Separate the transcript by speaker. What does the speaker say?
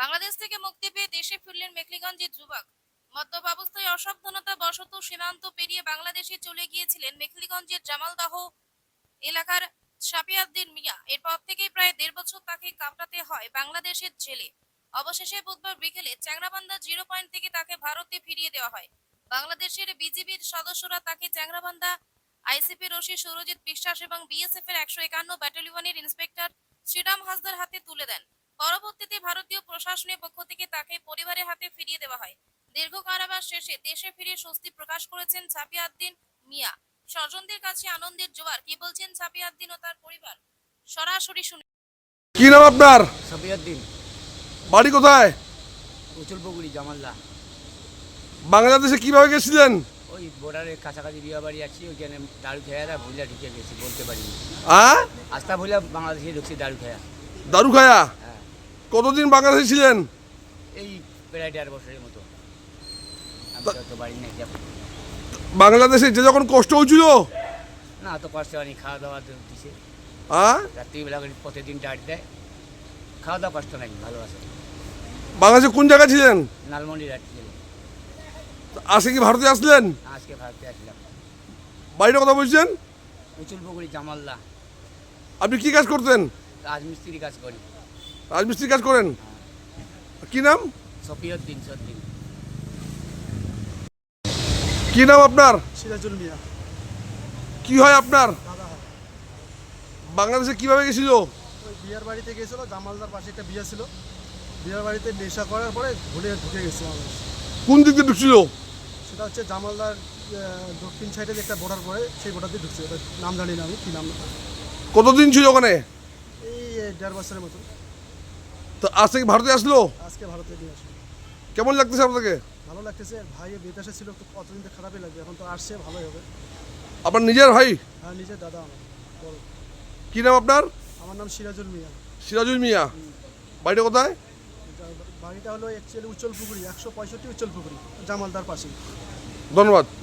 Speaker 1: বাংলাদেশ থেকে মুক্তি পেয়ে দেশে ফিরলেন মেখলিগঞ্জের যুবক। মদ্যপ অবস্থায় অসাবধানতা বশত সীমান্ত পেরিয়ে বাংলাদেশে চলে গিয়েছিলেন মেখলিগঞ্জের জামালদহ এলাকার শাফিউদ্দিন মিয়া। এরপর থেকে প্রায় ১.৫ বছর তাকে কাটাতে হয় বাংলাদেশের জেলে। অবশেষে বুধবার বিকেলে চ্যাংরাবান্ধা 0 পয়েন্ট থেকে তাকে ভারতে ফিরিয়ে দেওয়া হয়। বাংলাদেশের বিজিবির সদস্যরা তাকে চ্যাংরাবান্ধা আইসিপি রশি সুরজিৎ বিশ্বাস এবং বিএসএফ এর ১৫১ ব্যাটালিয়নের ইন্সপেক্টর শ্রীরাম হাসদার হাতে তুলে দেন। পরবর্তীতে ভারতীয় প্রশাসনের পক্ষ থেকে তাকে পরিবারের হাতে ফিরিয়ে দেওয়া হয়। দীর্ঘ কারাবাস শেষে দেশে ফিরে স্বস্তি প্রকাশ করেছেন শাফিউদ্দিন মিয়া। স্বজনদের কাছে আনন্দের জোয়ার। কি বলছেন শাফিউদ্দিন ও তার পরিবার, সরাসরি শুনে।
Speaker 2: কি নাম আপনার?
Speaker 3: শাফিউদ্দিন,
Speaker 2: বাড়ি কোথায়?
Speaker 3: উচুলপুকুরি, জামালদা।
Speaker 2: বাংলাদেশে কিভাবে গেছিলেন?
Speaker 3: ওই বর্ডারের কাছাকাছি বিয়ে বাড়ি আছি, ওইখানে দারু খেয়ারা ভুলিয়া ঢুকে গেছি, বলতে পারিনি। আস্তা ভুলিয়া বাংলাদেশে ঢুকছি দারু খেয়া।
Speaker 2: দারু খায়া?
Speaker 3: হ্যাঁ।
Speaker 2: কতদিন বাংলাদেশে ছিলেন?
Speaker 3: এই প্রায় 1.5 বছরের মতো। আমি তো বাড়ি নেই যাব।
Speaker 2: বাংলাদেশে যে যখন কষ্ট হয়েছিল?
Speaker 3: না, তো কষ্ট হয়নি, খাওয়া দাওয়া দিছে। রাত্রিবেলা করে প্রতিদিন ডাট দেয়, খাওয়া দাওয়া কষ্ট নাই, ভালো আছে।
Speaker 2: বাংলাদেশে কোন জায়গায় ছিলেন?
Speaker 3: লালমন্ডি রাত্রি ছিল।
Speaker 2: আজকে কি ভারতে আসলেন?
Speaker 3: আজকে ভারতে আসলাম।
Speaker 2: বাড়িটা কথা বলছেন?
Speaker 3: উচুলপুকুরি, জামালদা।
Speaker 2: আপনি কি কাজ করতেন?
Speaker 3: রাজমিস্ত্রি কাজ করি।
Speaker 2: রাজমিস্ত্রি কাজ করেন? কি নাম?
Speaker 3: শাফিউদ্দিন সদ্দিন।
Speaker 2: কি নাম আপনার?
Speaker 4: সিরাজুল মিয়া।
Speaker 2: কি হয় আপনার?
Speaker 4: দাদা হয়।
Speaker 2: বাংলাদেশে কিভাবে গেছিল?
Speaker 4: ওই বিয়ার বাড়িতে গেছিলো, জামালদার পাশে একটা বিয়ে ছিল। বিয়ার বাড়িতে নেশা করার পরে ভুলে ঢুকে গেছে বাংলাদেশ।
Speaker 2: কোন দিক দিয়ে ঢুকছিল?
Speaker 4: সেটা হচ্ছে জামালদার দক্ষিণ সাইডে যে একটা বর্ডার পড়ে, সেই বর্ডার দিয়ে ঢুকছে। ওটার নাম জানি না আমি, কী নাম।
Speaker 2: কতদিন ছিল ওখানে?
Speaker 4: এই 1.5 বছরের মতো।
Speaker 2: তো আজকে কি ভারতে আসলো?
Speaker 4: আজকে ভারতে নিয়ে আসে।
Speaker 2: কেমন লাগতেছে আপনাকে?
Speaker 4: ভালো লাগতেছে। ভাই বিদেশে ছিল, তো কতদিন তো খারাপই লাগবে, এখন তো আসছে, ভালোই হবে।
Speaker 2: আপনার নিজের ভাই?
Speaker 4: হ্যাঁ, নিজের দাদা আমার বড়।
Speaker 2: কি নাম আপনার?
Speaker 4: আমার নাম সিরাজুল মিয়া।
Speaker 2: সিরাজুল মিয়া। বাড়িটা কোথায়?
Speaker 4: বাড়িটা হলো অ্যাকচুয়ালি উচ্চলপুকুরি, 165 উচ্চলপুকুরি, জামালদার পাশে।
Speaker 2: ধন্যবাদ।